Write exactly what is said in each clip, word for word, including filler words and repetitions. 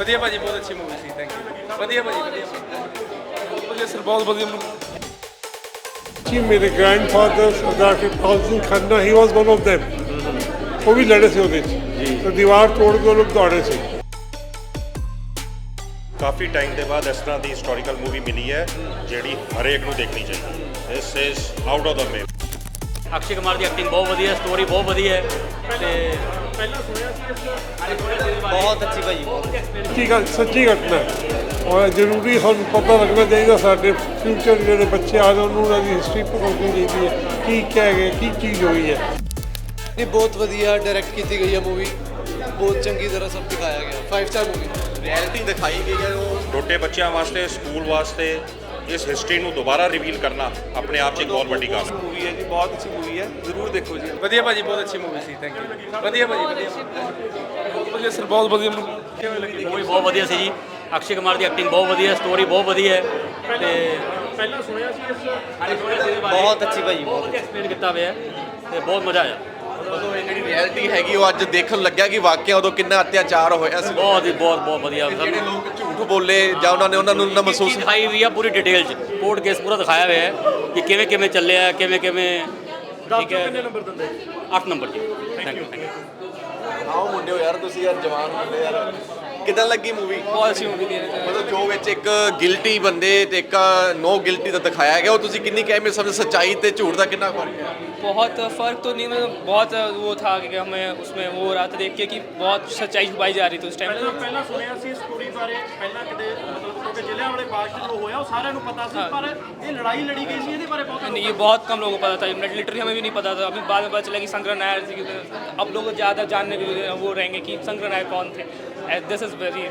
ਵਧੀਆ ਭਾਜੀ, ਬਹੁਤ ਅੱਛੀ ਮੂਵੀ ਸੀ। Thank you. ਵਧੀਆ ਭਾਜੀ, ਵਧੀਆ ਵਧੀਆ ਸਰ, ਬਹੁਤ ਵਧੀਆ ਮੂਵੀ ਜੀ। ਮੇਰੇ grandfather Sardar Kirpal Singh Khanna, he was one of them। ਉਹ ਵੀ ਲੜੇ ਸੀ ਉਹਦੇ 'ਚ, ਤੇ ਦੀਵਾਰ ਤੋੜ ਕੇ ਉਹ ਲੋਕ ਦੌੜੇ ਸੀ। ਕਾਫੀ ਟਾਈਮ ਦੇ ਬਾਅਦ ਇਸ ਤਰ੍ਹਾਂ ਦੀ ਹਿਸਟੋਰੀਕਲ ਮੂਵੀ ਮਿਲੀ ਹੈ ਜਿਹੜੀ ਹਰੇਕ ਨੂੰ ਦੇਖਣੀ ਚਾਹੀਦੀ। This is out of the map. Akshay Kumar ਦੀ ਐਕਟਿੰਗ ਬਹੁਤ ਵਧੀਆ, ਸਟੋਰੀ ਬਹੁਤ ਵਧੀਆ ਹੈ ਤੇ ਪਹਿਲਾਂ ਸੁਣਿਆ ਸੀ ਇਸ ਬਹੁਤ ਅੱਛੀ ਭਾਜੀ, ਬਹੁਤ ਸੱਚੀ ਗੱਲ, ਸੱਚੀ ਘਟਨਾ ਹੈ। ਔਰ ਜ਼ਰੂਰੀ ਸਾਨੂੰ ਪਤਾ ਲੱਗਣਾ ਚਾਹੀਦਾ, ਸਾਡੇ ਫਿਊਚਰ ਜਿਹੜੇ ਬੱਚੇ ਆ ਰਹੇ ਉਹਨੂੰ ਉਹਨਾਂ ਦੀ ਹਿਸਟਰੀ ਪਤਾ ਹੋਣੀ ਚਾਹੀਦੀ ਹੈ, ਕੀ ਕਹਿ ਗਏ, ਕੀ ਚੀਜ਼ ਹੋਈ ਹੈ। ਇਹ ਬਹੁਤ ਵਧੀਆ ਡਾਇਰੈਕਟ ਕੀਤੀ ਗਈ ਹੈ ਮੂਵੀ, ਬਹੁਤ ਚੰਗੀ ਤਰ੍ਹਾਂ ਸਭ ਦਿਖਾਇਆ ਗਿਆ। ਫਾਈਵ ਸਟਾਰ ਮੂਵੀ, ਰਿਐਲਿਟੀ ਦਿਖਾਈ ਗਈ ਹੈ। ਉਹ ਛੋਟੇ ਬੱਚਿਆਂ ਵਾਸਤੇ, ਸਕੂਲ ਵਾਸਤੇ ਇਸ ਹਿਸਟਰੀ ਨੂੰ ਦੁਬਾਰਾ ਰਿਵੀਲ ਕਰਨਾ ਆਪਣੇ ਆਪ 'ਚ ਇੱਕ ਬਹੁਤ ਵੱਡੀ ਗੱਲ ਹੈ। ਮੂਵੀ ਹੈ ਜੀ, ਬਹੁਤ ਅੱਛੀ ਮੂਵੀ ਹੈ, ਜ਼ਰੂਰ ਦੇਖੋ ਜੀ। ਵਧੀਆ ਭਾਜੀ, ਬਹੁਤ ਅੱਛੀ ਮੂਵੀ ਸੀ। Thank you. ਵਧੀਆ ਭਾਜੀ, ਵਧੀਆ ਵਧੀਆ ਸਰ, ਬਹੁਤ ਵਧੀਆ ਮੂਵੀ। ਕਿਵੇਂ ਲੱਗੀ ਮੂਵੀ? ਬਹੁਤ ਵਧੀਆ ਸੀ ਜੀ। ਅਕਸ਼ੇ ਕੁਮਾਰ ਦੀ ਐਕਟਿੰਗ ਬਹੁਤ ਵਧੀਆ, ਸਟੋਰੀ ਬਹੁਤ ਵਧੀਆ ਹੈ ਤੇ ਪਹਿਲਾਂ ਸੁਣਿਆ ਸੀ ਇਸ ਬਹੁਤ ਅੱਛੀ ਭਾਜੀ, ਬਹੁਤ ਵਧੀਆ ਐਕਸਪਲੇਨ ਕੀਤਾ ਹੋਇਆ ਤੇ ਬਹੁਤ ਮਜ਼ਾ ਆਇਆ। ਉਦੋਂ ਇਹ ਜਿਹੜੀ ਰਿਐਲਿਟੀ ਹੈਗੀ ਉਹ ਅੱਜ ਦੇਖਣ ਲੱਗਿਆ ਕਿ ਵਾਕਿਆ ਉਦੋਂ ਕਿੰਨਾ ਅਤਿਆਚਾਰ ਹੋਇਆ ਸੀ। ਬਹੁਤ ਹੀ ਬਹੁਤ ਬਹੁਤ ਵਧੀਆ। ਜਿਹੜੇ ਲੋਕ ਝੂਠ ਬੋਲੇ ਜਾਂ ਉਹਨਾਂ ਨੇ ਉਹਨਾਂ ਨੂੰ ਨਾ ਮਹਿਸੂਸ ਦਿਖਾਈ ਹੋਈ ਆ ਪੂਰੀ ਡਿਟੇਲ 'ਚ, ਕੋਰਟ ਕੇਸ ਪੂਰਾ ਦਿਖਾਇਆ ਹੋਇਆ ਹੈ ਕਿ ਕਿਵੇਂ ਕਿਵੇਂ ਚੱਲਿਆ, ਕਿਵੇਂ ਕਿਵੇਂ। ਠੀਕ ਹੈ, ਕਿੰਨੇ ਨੰਬਰ ਦਿੰਦੇ? ਅੱਠ ਨੰਬਰ ਜੀ। Thank you, thank you. ਆਓ ਮੁੰਡਿਓ ਯਾਰ, ਤੁਸੀਂ ਯਾਰ ਜਵਾਨ ਮੁੰਡੇ ਯਾਰ, ਕਿਦਾਂ ਲੱਗੀ ਮੂਵੀ? ਬਹੁਤ ਅੱਛੀ ਮੂਵੀ ਦੀ ਮਤਲਬ ਜੋ ਵਿੱਚ ਇੱਕ ਗਿਲਟੀ ਬੰਦੇ ਤੇ ਇੱਕ ਨੋ ਗਿਲਟੀ ਦਾ ਦਿਖਾਇਆ ਗਿਆ, ਉਹ ਤੁਸੀਂ ਕਿੰਨੀ ਕਹਿਮੇ ਸਮਝ, ਸੱਚਾਈ ਤੇ ਝੂਠ ਦਾ ਕਿੰਨਾ ਫਰਕ ਹੈ? बहुत फ़र्क तो नहीं, मतलब बहुत वो था कि हमें उसमें वो हो रहा था देख के कि बहुत सच्चाई छुपाई जा रही थी उस टाइम। ਪਹਿਲਾਂ ਪਹਿਲਾਂ ਸੁਣਿਆ ਸੀ ਸਟੋਰੀ ਬਾਰੇ, ਪਹਿਲਾਂ ਕਿਤੇ ਮਤਲਬ ਕਿਉਂਕਿ ਜ਼ਿਲ੍ਹਿਆਂਵਾਲੇ ਬਾਗ 'ਚ ਜੋ ਹੋਇਆ ਉਹ ਸਾਰਿਆਂ ਨੂੰ ਪਤਾ ਸੀ, ਪਰ ਇਹ ਲੜਾਈ ਲੜੀ गई ਸੀ, ਇਹਦੇ ਬਾਰੇ ਬਹੁਤ नहीं, ये बहुत कम लोगों को पता था, लिटरली हमें भी नहीं पता था। अभी बाद में पता चला कि संग्रह नायर थी। अब लोग ज़्यादा जानने के वो रहेंगे कि संग्रह नायर कौन थे। दिस इज़ वेरी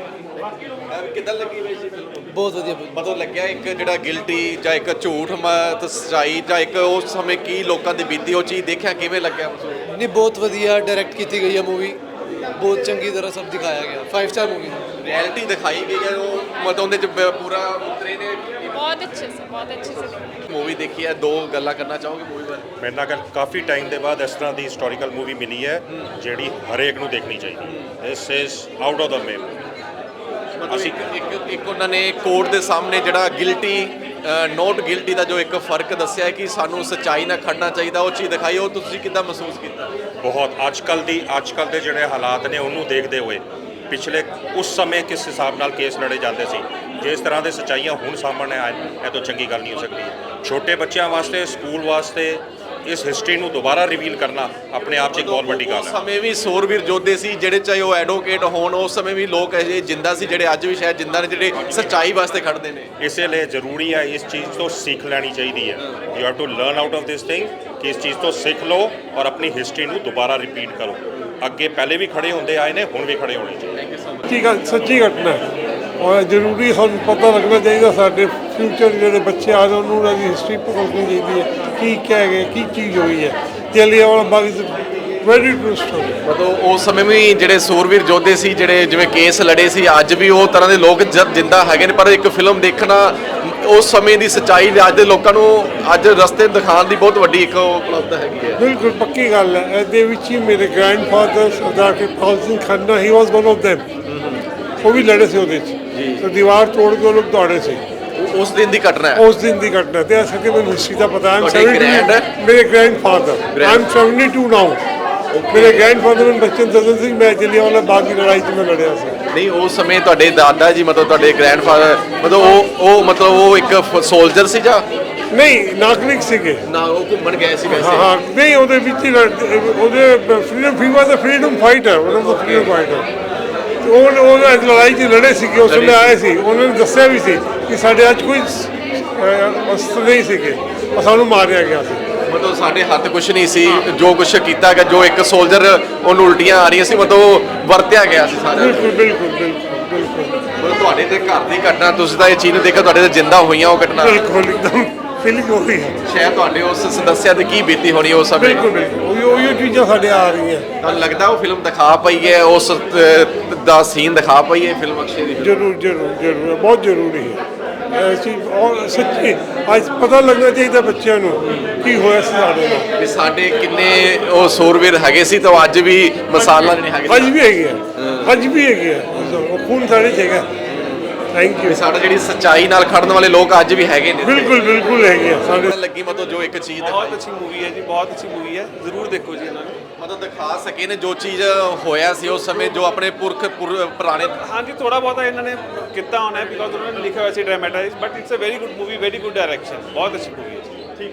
ਕਿਦਾਂ ਲੱਗੀ ਵੈਸੇ ਫਿਲਮ? बहुत ਵਧੀਆ। ਮਤਲਬ ਲੱਗਿਆ ਇੱਕ ਜਿਹੜਾ ਗਿਲਟੀ ਜਾਂ ਇੱਕ ਝੂਠ ਮ- ਸੱਚਾਈ ਜਾਂ ਇੱਕ ਉਸ ਸਮੇਂ ਕੀ ਲੋਕਾਂ ਦੀ ਬੀਤੀ, ਉਹ ਚੀਜ਼ ਦੇਖਿਆ ਕਿਵੇਂ ਲੱਗਿਆ? ਨਹੀਂ, ਬਹੁਤ ਵਧੀਆ ਡਾਇਰੈਕਟ ਕੀਤੀ ਗਈ ਹੈ ਮੂਵੀ, ਬਹੁਤ ਚੰਗੀ ਤਰ੍ਹਾਂ ਸਭ ਦਿਖਾਇਆ ਗਿਆ। ਫਾਈਵ ਸਟਾਰ ਮੂਵੀ, ਰਿਐਲਿਟੀ ਦਿਖਾਈ ਗਈ ਹੈ, ਉਹ ਮਤਲਬ ਉਹਦੇ ਚ ਬ- ਪੂਰਾ ਉਤਰੇ ਨੇ। बहुत अच्छे से, बहुत अच्छे से। ਮੂਵੀ ਦੇਖੀ ਹੈ, ਦੋ ਗੱਲਾਂ ਕਰਨਾ ਚਾਹੋਗੇ ਮੂਵੀ ਬਾਰੇ? ਮੇਰੇ ਨਾਲ ਗੱਲ ਕਾਫੀ ਟਾਈਮ ਦੇ ਬਾਅਦ ਇਸ ਤਰ੍ਹਾਂ ਦੀ ਹਿਸਟੋਰੀਕਲ ਮੂਵੀ ਮਿਲੀ ਹੈ ਜਿਹੜੀ ਹਰੇਕ ਨੂੰ ਦੇਖਣੀ ਚਾਹੀਦੀ। This is out of the map. ਅਸੀਂ ਇੱਕ ਇੱਕ ਉਹਨਾਂ ਨੇ ਕੋਰਟ ਦੇ ਸਾਹਮਣੇ ਜਿਹੜਾ ਗਿਲਟੀ ਨੋਟ ਗਿਲਟੀ ਦਾ ਜੋ ਇੱਕ ਫਰਕ ਦੱਸਿਆ ਹੈ ਕਿ ਸਾਨੂੰ ਸੱਚਾਈ ਨਾਲ ਖੜਨਾ ਚਾਹੀਦਾ, ਉਹ ਚੀਜ਼ ਦਿਖਾਈ, ਉਹ ਤੁਸੀਂ ਕਿੱਦਾਂ ਮਹਿਸੂਸ ਕੀਤਾ? ਬਹੁਤ ਅੱਜ ਕੱਲ੍ਹ ਦੀ ਅੱਜ ਕੱਲ੍ਹ ਦੇ ਜਿਹੜੇ ਹਾਲਾਤ ਨੇ ਉਹਨੂੰ ਦੇਖਦੇ ਹੋਏ ਪਿਛਲੇ ਉਸ ਸਮੇਂ ਕਿਸ ਹਿਸਾਬ ਨਾਲ ਕੇਸ ਲੜੇ ਜਾਂਦੇ ਸੀ, ਜੇ ਇਸ ਤਰ੍ਹਾਂ ਦੇ ਸੱਚਾਈਆਂ ਹੁਣ ਸਾਹਮਣੇ ਆਏ, ਇਹ ਤੋਂ ਚੰਗੀ ਗੱਲ ਨਹੀਂ ਹੋ ਸਕਦੀ। ਛੋਟੇ ਬੱਚਿਆਂ ਵਾਸਤੇ, ਸਕੂਲ ਵਾਸਤੇ ਇਸ ਹਿਸਟਰੀ ਨੂੰ ਦੁਬਾਰਾ ਰਿਵੀਲ ਕਰਨਾ ਆਪਣੇ ਆਪ 'ਚ ਇੱਕ ਬਹੁਤ ਵੱਡੀ ਗੱਲ ਉਸ ਹੈ। ਸਮੇਂ ਵੀ ਸੂਰਬੀਰ ਯੋਧੇ ਸੀ ਜਿਹੜੇ, ਚਾਹੇ ਉਹ ਐਡਵੋਕੇਟ ਹੋਣ, ਉਸ ਸਮੇਂ ਵੀ ਲੋਕ ਅਜੇ ਜਿੰਦਾ ਸੀ ਜਿਹੜੇ ਅੱਜ ਵੀ ਸ਼ਾਇਦ ਜਿੰਦਾ ਨੇ, ਜਿਹੜੇ ਸੱਚਾਈ ਵਾਸਤੇ ਖੜਦੇ ਨੇ। ਇਸੇ ਲਈ ਜ਼ਰੂਰੀ ਹੈ ਇਸ ਚੀਜ਼ ਤੋਂ ਸਿੱਖ ਲੈਣੀ ਚਾਹੀਦੀ ਹੈ। You have to learn out of this thing ਕਿ ਇਸ ਚੀਜ਼ ਤੋਂ ਸਿੱਖ ਲਓ ਔਰ ਆਪਣੀ ਹਿਸਟਰੀ ਨੂੰ ਦੁਬਾਰਾ ਰਿਪੀਟ ਕਰੋ। ਅੱਗੇ ਪਹਿਲੇ ਵੀ ਖੜੇ ਹੁੰਦੇ ਆਏ ਨੇ, ਹੁਣ ਵੀ ਖੜੇ ਹੋਣੇ ਚਾਹੀਦੇ। ਸੱਚੀ ਗੱਲ, ਸੱਚੀ ਘਟਨਾ ਹੈ। ਔਰ ਜ਼ਰੂਰੀ ਸਾਨੂੰ ਪਤਾ ਲੱਗਣਾ ਚਾਹੀਦਾ, ਸਾਡੇ ਫਿਊਚਰ ਜਿਹੜੇ ਬੱਚੇ ਆ ਰਹੇ ਉਹਨੂੰ ਉਹਨਾਂ ਦੀ ਹਿਸਟਰੀ ਪਤਾ ਹੋਣੀ ਚਾਹੀਦੀ ਹੈ, ਕੀ ਕਹਿ ਗਏ, ਕੀ ਚੀਜ਼ ਹੋਈ ਹੈ। Jallianwala Bagh is very true story. ਮਤਲਬ ਉਸ ਸਮੇਂ ਵੀ ਜਿਹੜੇ ਸੂਰਬੀਰ ਯੋਧੇ ਸੀ, ਜਿਹੜੇ ਜਿਵੇਂ ਕੇਸ ਲੜੇ ਸੀ, ਅੱਜ ਵੀ ਉਹ ਤਰ੍ਹਾਂ ਦੇ ਲੋਕ ਜ- ਜਿੰਦਾ ਹੈਗੇ ਨੇ। ਪਰ ਇੱਕ ਫਿਲਮ ਦੇਖਣਾ ਉਸ ਸਮੇਂ ਦੀ ਸੱਚਾਈ ਅੱਜ ਦੇ ਲੋਕਾਂ ਨੂੰ ਅੱਜ ਰਸਤੇ ਦਿਖਾਉਣ ਦੀ ਬਹੁਤ ਵੱਡੀ ਇੱਕ ਉਪਲਬਧ ਹੈਗੀ ਹੈ। ਬਿਲਕੁਲ ਪੱਕੀ ਗੱਲ ਹੈ। ਇਹਦੇ ਵਿੱਚ ਹੀ ਮੇਰੇ grandfather Sardar Kirpal Singh Khanna, he was one of them। ਉਹ ਵੀ ਲੜੇ ਸੀ ਉਹਦੇ 'ਚ, ਤੇ ਦੀਵਾਰ ਤੋੜ ਕੇ ਉਹ ਲੋਕ ਦੌੜੇ ਸੀ। ਉਹ ਉਸ ਦਿਨ ਦੀ ਘਟਨਾ ਹੈ। ਉਸ ਦਿਨ ਦੀ ਘਟਨਾ ਤੇ ਅਸਲ ਕਿ ਮੈਨੂੰ ਹਿਸਟਰੀ ਦਾ ਪਤਾ ਹੈ। ਤੁਹਾਡੇ grand- ਮੇਰੇ grandfather, I am seventy two now. ਮੇਰੇ ਗ੍ਰੈਂਡਫਾਦਰ ਨੂੰ ਬਚਪਨ ਦੱਸਦੇ ਸੀ ਮੈਂ ਜਲਿਆਂਵਾਲਾ ਬਾਗ ਦੀ ਲੜਾਈ 'ਚ ਮੈਂ ਲੜਿਆ ਸੀ। ਨਹੀਂ, ਉਸ ਸਮੇਂ ਤੁਹਾਡੇ ਦਾਦਾ ਜੀ, ਮਤਲਬ ਤੁਹਾਡੇ ਗ੍ਰੈਂਡਫਾਦਰ, ਮਤਲਬ ਉਹ ਉਹ ਮਤਲਬ ਉਹ ਇੱਕ ਸੋਲਜਰ ਸੀ ਜਾਂ ਨਹੀਂ, ਨਾਗਰਿਕ ਸੀਗੇ। ਨਾ? ਉਹ ਘੁੰਮਣ ਗਏ ਸੀ ਹਾਂ ਵੈਸੇ? ਹਾਂ, ਨਹੀਂ ਉਹਦੇ ਵਿੱਚ ਹੀ ਲੜ- ਉਹਦੇ ਫਰੀडम ਫੀਵਰ ਦਾ ਫਰੀडम ਫਾਈਟਰ, ਉਹਨਾਂ ਦਾ ਫਰੀडम ਫਾਈਟਰ। ਉਹ ਉਹ ਲੜਾਈ 'ਚ ਲੜੇ ਸੀਗੇ, ਉਸ ਵੇਲੇ ਆਏ ਸੀ। ਉਹਨਾਂ ਨੇ ਦੱਸਿਆ ਵੀ ਸੀ ਕਿ ਸਾਡੇ ਅੱਜ ਕੋਈ ਅਸਤਰ ਨਹੀਂ ਸੀਗੇ, ਉਹ ਸਾਨੂੰ ਮਾਰਿਆ ਗਿਆ ਸੀ। ਮਤਲਬ ਸਾਡੇ ਹੱਥ ਕੁਝ ਨਹੀਂ ਸੀ, ਜੋ ਕੁਝ ਕੀਤਾ ਗਿਆ, ਜੋ ਇੱਕ ਸੋਲਜਰ ਉਹਨੂੰ ਉਲਟੀਆਂ ਆ ਰਹੀਆਂ ਸੀ, ਮਤਲਬ ਉਹ ਵਰਤਿਆ ਗਿਆ ਸੀ ਸਾਰਾ। ਬਿਲਕੁਲ ਬਿਲਕੁਲ ਬਿਲਕੁਲ ਬਿਲਕੁਲ ਮਤਲਬ ਤੁਹਾਡੇ ਤੇ ਘਰ ਦੀ ਘਟਨਾ, ਤੁਸੀਂ ਤਾਂ ਇਹ ਚੀਜ਼ ਨੂੰ ਦੇਖਿਆ, ਤੁਹਾਡੇ ਤੇ ਜਿੰਦਾ ਹੋਈਆਂ ਉਹ ਘਟਨਾ, ਬਿਲਕੁਲ ਇੱਕਦਮ ਫੀਲਿੰਗ ਹੋ ਰਹੀ ਹੈ। ਸ਼ਾਇਦ ਤੁਹਾਡੇ ਉਸ ਸਦੱਸਿਆ ਤੇ ਕੀ ਬੀਤੀ ਹੋਣੀ ਉਸ ਸਮੇਂ। ਬਿਲਕੁਲ ਬਿਲਕੁਲ ਉਹੀ ਉਹੀ ਚੀਜ਼ਾਂ ਸਾਡੇ ਆ ਰਹੀਆਂ। ਤੁਹਾਨੂੰ ਲੱਗਦਾ ਉਹ ਫਿਲਮ ਦਿਖਾ ਪਈ ਹੈ, ਉਸ ਅਹ, ਦਾ ਸੀਨ ਦਿਖਾ ਪਈ ਹੈ ਫਿਲਮ ਅਕਸ਼ੇ ਦੀ? ਜ਼ਰੂਰ ਜ਼ਰੂਰ ਜ਼ਰੂਰ, ਬਹੁਤ ਜ਼ਰੂਰੀ ਹੈ। ਐਸੀ ਔਰ ਸੱਚੀ ਅੱਜ ਪਤਾ ਲੱਗਣਾ ਚਾਹੀਦਾ ਬੱਚਿਆਂ ਨੂੰ ਕੀ ਹੋਇਆ ਸੀ ਸਾਡੇ ਨਾਲ। ਵੀ ਸਾਡੇ ਕਿੰਨੇ ਉਹ ਸੂਰਬੀਰ ਹੈਗੇ ਸੀ, ਤਾਂ ਅੱਜ ਵੀ ਮਿਸਾਲਾਂ ਜਿਹੜੇ ਹੈਗੇ ਅੱਜ ਵੀ ਹੈਗੇ ਆ, ਅੱਜ ਵੀ ਹੈਗੇ ਆ। ਉਹ ਖੂਨ ਸਾਡੇ 'ਚ ਹੈਗਾ। Thank you. ਸਾਡਾ ਜਿਹੜੀ ਸੱਚਾਈ ਨਾਲ ਖੜਨ ਵਾਲੇ ਲੋਕ ਅੱਜ ਵੀ ਹੈਗੇ ਨੇ। ਬਿਲਕੁਲ ਬਿਲਕੁਲ ਹੈਗੇ ਆ ਸਾਡੇ। ਲੱਗੀ ਮਤਲਬ ਜੋ ਇੱਕ ਚੀਜ਼ ਬਹੁਤ ਅੱਛੀ ਮੂਵੀ ਹੈ ਜੀ, ਬਹੁਤ ਅੱਛੀ ਮੂਵੀ ਹੈ, ਜ਼ਰੂਰ ਦੇਖੋ ਜੀ ਇਹਨਾਂ ਨੂੰ। ਮਤਲਬ ਦਿਖਾ ਸਕੇ ਨੇ ਜੋ ਚੀਜ਼ ਹੋਇਆ ਸੀ ਉਸ ਸਮੇਂ, ਜੋ ਆਪਣੇ ਪੁਰਖ ਪੁਰ- ਪੁਰਾਣੇ ਹਾਂਜੀ ਥੋੜਾ ਬਹੁਤਾ ਇਹਨਾਂ ਨੇ ਕੀਤਾ ਹੋਣਾ ਹੈ, ਬਿਕੋਜ਼ ਉਹਨਾਂ ਨੇ ਲਿਖਿਆ ਹੋਇਆ ਸੀ dramatize, but it's a very good movie, very good direction, ਬਹੁਤ ਅੱਛੀ ਮੂਵੀ ਹੈ ਜੀ।